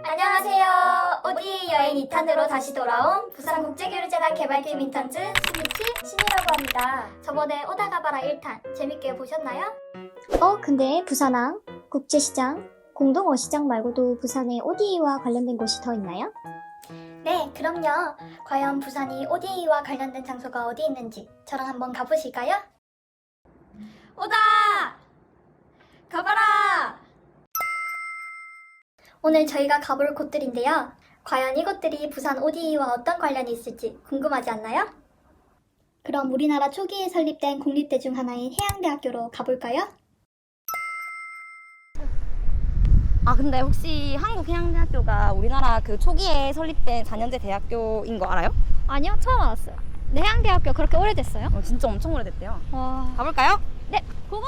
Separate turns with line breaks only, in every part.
안녕하세요. ODA 여행 2탄으로 다시 돌아온 부산국제교류재단 개발팀 인턴즈 스미치 신이라고 합니다. 저번에 오다 가봐라 1탄 재밌게 보셨나요?
근데 부산항, 국제시장, 공동어시장 말고도 부산에 ODA와 관련된 곳이 더 있나요?
네, 그럼요. 과연 부산이 ODA와 관련된 장소가 어디 있는지 저랑 한번 가보실까요? 오다! 가봐라! 오늘 저희가 가볼 곳들인데요. 과연 이곳들이 부산 ODA와 어떤 관련이 있을지 궁금하지 않나요? 그럼 우리나라 초기에 설립된 공립대 중 하나인 해양대학교로 가볼까요?
근데 혹시 한국해양대학교가 우리나라 그 초기에 설립된 4년제 대학교인 거 알아요?
아니요, 처음 알았어요. 네, 해양대학교 그렇게 오래됐어요?
진짜 엄청 오래됐대요.
와...
가볼까요?
네, 고고!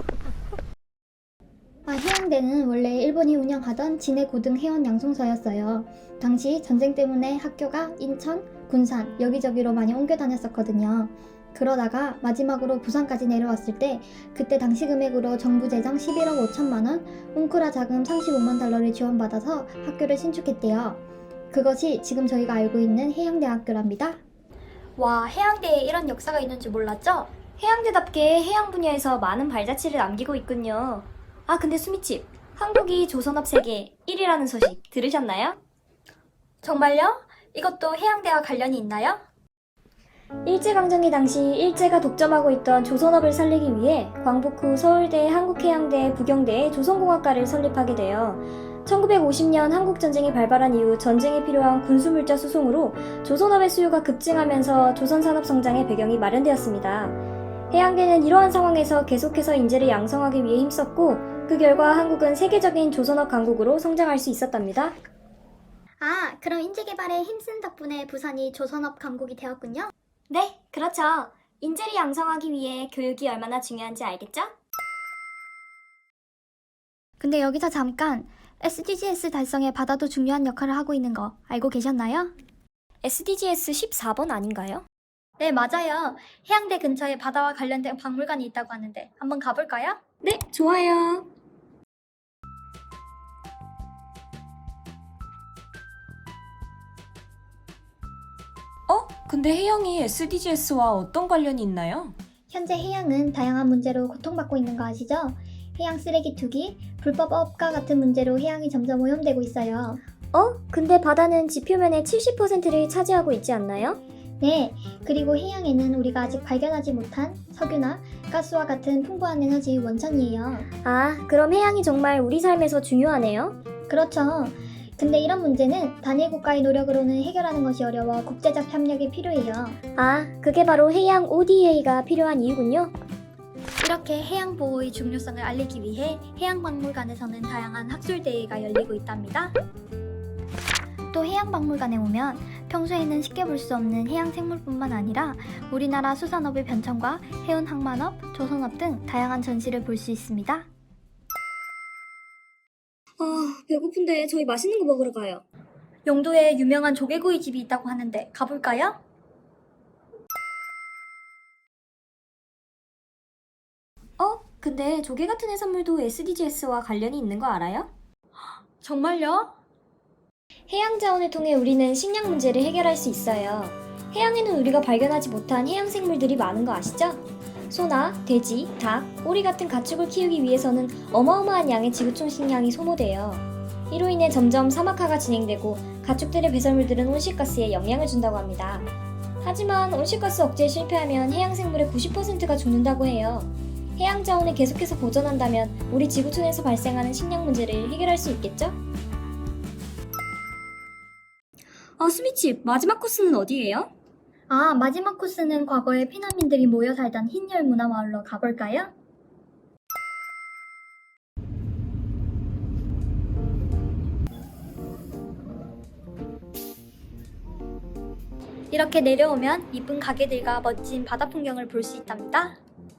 해양대는 원래 일본이 운영하던 진해고등해원 양성소였어요. 당시 전쟁 때문에 학교가 인천, 군산 여기저기로 많이 옮겨 다녔었거든요. 그러다가 마지막으로 부산까지 내려왔을 때 그때 당시 금액으로 정부 재정 11억 5천만 원, 웅크라 자금 35만 달러를 지원받아서 학교를 신축했대요. 그것이 지금 저희가 알고 있는 해양대학교랍니다. 와, 해양대에 이런 역사가 있는 줄 몰랐죠?
해양대답게 해양 분야에서 많은 발자취를 남기고 있군요. 근데 수미칩, 한국이 조선업 세계 1위라는 소식 들으셨나요?
정말요? 이것도 해양대와 관련이 있나요?
일제강점기 당시 일제가 독점하고 있던 조선업을 살리기 위해 광복 후 서울대, 한국해양대, 부경대에 조선공학과를 설립하게 되어 1950년 한국전쟁이 발발한 이후 전쟁에 필요한 군수물자 수송으로 조선업의 수요가 급증하면서 조선산업 성장의 배경이 마련되었습니다. 해양대는 이러한 상황에서 계속해서 인재를 양성하기 위해 힘썼고 그 결과 한국은 세계적인 조선업 강국으로 성장할 수 있었답니다.
그럼 인재 개발에 힘쓴 덕분에 부산이 조선업 강국이 되었군요?
네, 그렇죠. 인재를 양성하기 위해 교육이 얼마나 중요한지 알겠죠?
근데 여기서 잠깐 SDGs 달성에 바다도 중요한 역할을 하고 있는 거 알고 계셨나요?
SDGs 14번 아닌가요?
네, 맞아요. 해양대 근처에 바다와 관련된 박물관이 있다고 하는데 한번 가볼까요?
네, 좋아요.
근데 해양이 SDGs와 어떤 관련이 있나요?
현재 해양은 다양한 문제로 고통받고 있는 거 아시죠? 해양 쓰레기 투기, 불법 업과 같은 문제로 해양이 점점 오염되고 있어요.
근데 바다는 지표면의 70%를 차지하고 있지 않나요?
네, 그리고 해양에는 우리가 아직 발견하지 못한 석유나 가스와 같은 풍부한 에너지 원천이에요.
그럼 해양이 정말 우리 삶에서 중요하네요.
그렇죠. 근데 이런 문제는 단일 국가의 노력으로는 해결하는 것이 어려워 국제적 협력이 필요해요.
그게 바로 해양 ODA가 필요한 이유군요.
이렇게 해양 보호의 중요성을 알리기 위해 해양박물관에서는 다양한 학술대회가 열리고 있답니다. 또 해양박물관에 오면 평소에는 쉽게 볼 수 없는 해양 생물뿐만 아니라 우리나라 수산업의 변천과 해운 항만업, 조선업 등 다양한 전시를 볼 수 있습니다.
배고픈데 저희 맛있는 거 먹으러 가요.
용도에 유명한 조개구이 집이 있다고 하는데 가볼까요?
근데 조개 같은 해산물도 SDGs와 관련이 있는 거 알아요?
정말요?
해양 자원을 통해 우리는 식량 문제를 해결할 수 있어요. 해양에는 우리가 발견하지 못한 해양 생물들이 많은 거 아시죠? 소나 돼지, 닭, 오리 같은 가축을 키우기 위해서는 어마어마한 양의 지구촌 식량이 소모돼요. 이로 인해 점점 사막화가 진행되고 가축들의 배설물들은 온실가스에 영향을 준다고 합니다. 하지만 온실가스 억제에 실패하면 해양 생물의 90%가 죽는다고 해요. 해양 자원을 계속해서 보존한다면 우리 지구촌에서 발생하는 식량 문제를 해결할 수 있겠죠? 수미칩, 마지막 코스는 어디예요?
마지막 코스는 과거에 피난민들이 모여 살던 흰열 문화마을로 가볼까요? 이렇게 내려오면 이쁜 가게들과 멋진 바다 풍경을 볼 수 있답니다.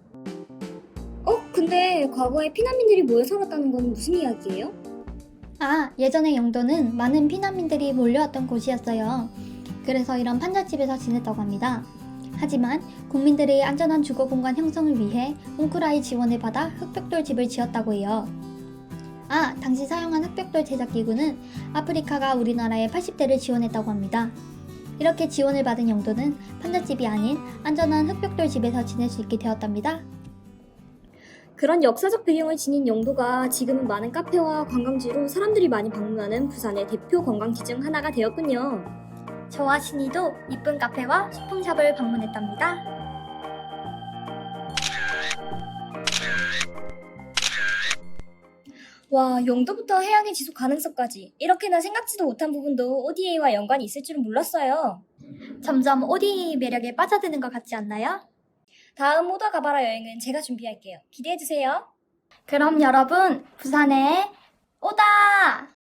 근데 과거에 피난민들이 모여 살았다는 건 무슨 이야기예요?
예전의 영도는 많은 피난민들이 몰려왔던 곳이었어요. 그래서 이런 판잣집에서 지냈다고 합니다. 하지만 국민들의 안전한 주거 공간 형성을 위해 웅크라의 지원을 받아 흑벽돌 집을 지었다고 해요. 당시 사용한 흑벽돌 제작 기구는 아프리카가 우리나라에 80대를 지원했다고 합니다. 이렇게 지원을 받은 영도는 판잣집이 아닌 안전한 흑벽돌 집에서 지낼 수 있게 되었답니다.
그런 역사적 배경을 지닌 영도가 지금은 많은 카페와 관광지로 사람들이 많이 방문하는 부산의 대표 관광지 중 하나가 되었군요.
저와 신이도 이쁜 카페와 소품샵을 방문했답니다.
와, 영도부터 해양의 지속 가능성까지 이렇게나 생각지도 못한 부분도 ODA와 연관이 있을 줄은 몰랐어요.
점점 ODA 매력에 빠져드는 것 같지 않나요?
다음 오다 가봐라 여행은 제가 준비할게요. 기대해주세요.
그럼 여러분, 부산에 오다!